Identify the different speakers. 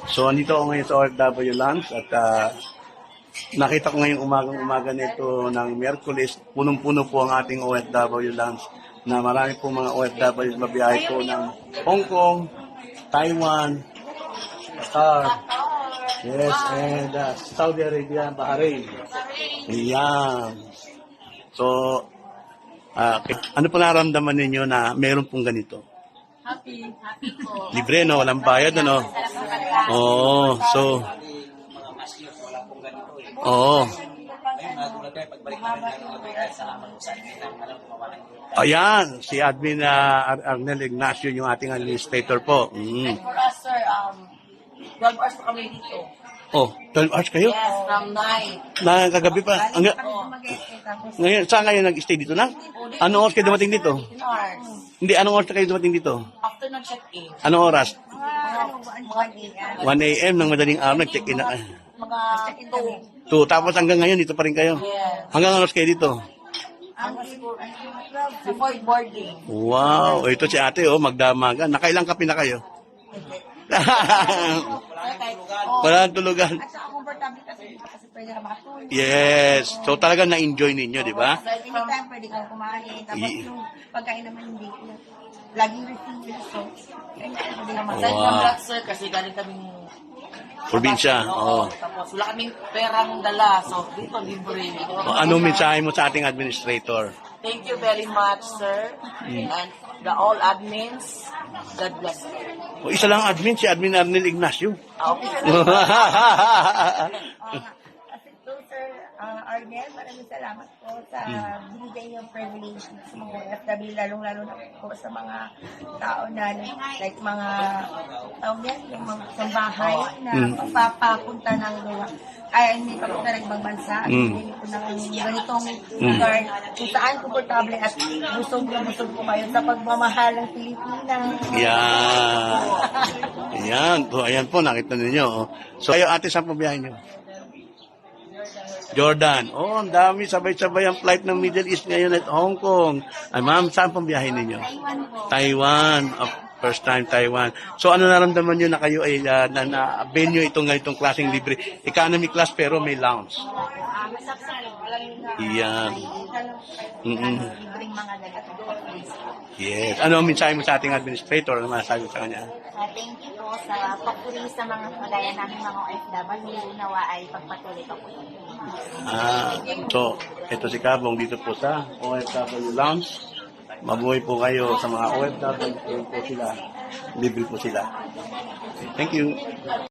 Speaker 1: So, andito ako ngayon sa OFW Lounge at nakita ko ngayong umaga nito ng Miyerkules, punong-puno po ang ating OFW Lounge na marami po mga OFW mabiyahe po ng Hong Kong, Taiwan, Qatar, yes, and Saudi Arabia, Bahrain. Ayan. So, ano po naramdaman ninyo na meron pong ganito?
Speaker 2: Happy po.
Speaker 1: Libre, no? Walang bayad, ano? Oo, so... Oo. Ayan, si Admin Arnel Ignacio, yung ating administrator po.
Speaker 2: And for us, sir, 12 hours pa kami dito.
Speaker 1: Oh, 12 hours kayo?
Speaker 2: Yes, from 9.
Speaker 1: Kagabi pa. Ngayon, saan kayo nag-stay dito na? Anong oras kayo dumating dito?
Speaker 2: 15 hours.
Speaker 1: Hindi, anong oras kayo dumating dito?
Speaker 2: After ng check-in.
Speaker 1: Anong oras?
Speaker 2: Mga
Speaker 1: 1 a.m. ng madaling araw, nag-check-in na.
Speaker 2: mga 2.
Speaker 1: 2, tapos hanggang ngayon, dito pa rin kayo.
Speaker 2: Yes.
Speaker 1: Hanggang oras kayo dito?
Speaker 2: Before boarding.
Speaker 1: Wow, ito si ate, oh, magdamagan. Nakailang kape na kayo? Walang tulugan.
Speaker 3: At saka comfortable kasi pwede ka makatulog.
Speaker 1: Yes. So talagang na-enjoy ninyo, di ba?
Speaker 3: Anytime pwede kang kumain. Tapos yung pagkain naman hindi. Laging refill. So, anytime pwede kang
Speaker 2: Aside
Speaker 1: Wow.
Speaker 2: from that, sir, kasi galing kaming
Speaker 1: Probinsya. Oo.
Speaker 2: Tapos wala kaming perang dala. So, dito libre.
Speaker 1: Anong mensahe mo sa ating administrator?
Speaker 2: Thank you very much, sir. And the all admins, God bless you.
Speaker 1: O, isa lang admin, si Admin Arnel Ignacio.
Speaker 2: Okay.
Speaker 3: Kasi po, Sir Arnel, maraming salamat po sa binigay niyong privilege sa mga OFW, lalong-lalo na po sa mga tao na like mga tao yan, yung mga sa bahay na papapunta ng lugar. Ay, hindi pa punta ng ibang bansa. Hindi po ng ganitong lugar kung saan komportable at busog po kayo sa pagmamahal ng Pilipinas.
Speaker 1: Yan. Yan. So, ayan po, nakita ninyo. Oh. So, kayo ate, saan po biyahe nyo? Jordan. Oh, ang dami. Sabay-sabay ang flight ng Middle East ngayon at Hong Kong. Ay, ma'am, saan pong biyahe ninyo?
Speaker 3: Taiwan po.
Speaker 1: Taiwan. Oh, first time Taiwan. So, ano naramdaman nyo na kayo ay na-avail nyo itong ganitong klaseng libre? Economy class pero may lounge.
Speaker 3: Masaksan. Walang
Speaker 1: Yan.
Speaker 3: libreng mga ganito.
Speaker 1: Yes. Ano ang mensahe mo sa ating administrator? Ano masasabi sa kanya?
Speaker 3: Thank you po sa pagpuri sa mga kagaya namin mga OFW. Nawa ay pagpatuloy pa po.
Speaker 1: So, ito si Kabong dito po sa OFW Lounge. Mabuhay po kayo sa mga OFW. Po sila. Libre po sila. Thank you.